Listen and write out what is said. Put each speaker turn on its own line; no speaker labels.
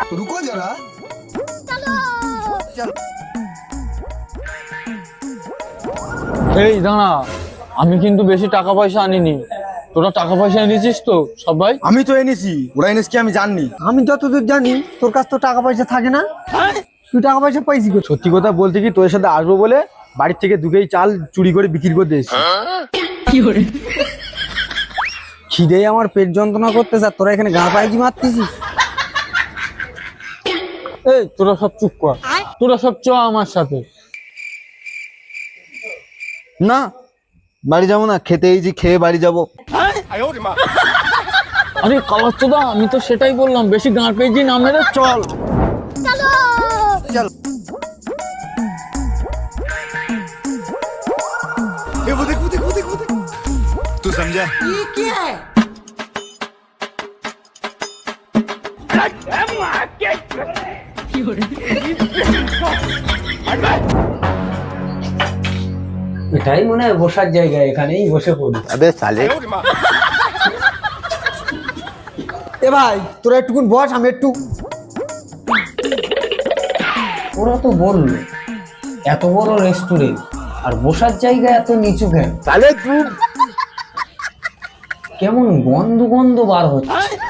रुको जरा।
এই দাঁড়া, আমি কিন্তু বেশি টাকা পয়সা আনিনি। তোরা টাকা পয়সা এনেছিস তো সবাই?
আমি তো এনেছি, ওরা এনেছি কি আমি জানি।
আমি যতদূর জানি তোর কাছে তো টাকা পয়সা থাকে না, তুই টাকা পয়সা পাইছি কোথায়?
সত্যি কথা বলতে কি, তোর সাথে আসবো বলে বাড়ির থেকে 2 কেজি চাল চুরি করে বিক্রি করে দিয়েছি।
খিদে আমার পেট যন্ত্রণা করতেছে, আর তোরা এখানে গা পাইজি মারতেছিস।
এই তোরা সব চুপ কর, তোরা সব চ আমার সাথে।
না, বাড়ি যাবো না, খেতে এইছি, খেয়ে বাড়ি যাবো।
আরে কালাচ্চোদা, আমি তো সেটাই বললাম, বেশি গাঁট পেয়েছি না মেরে চল।
चल ये वो देख वो देख वो देख वो देख। तू समझा?
ये क्या है? এটাই মনে হয় বসার জায়গা, এখানেই বসে পড়ি।
अबे साले।
এ ভাই তোরা একটুকুন বস, আমি একটু। ওরা তো বললো এত বড় রেস্টুরেন্ট আর বসার জায়গা এত নিচু কেন?
साले तू
কেমন গন্ধ গন্ধ বার হচ্ছে।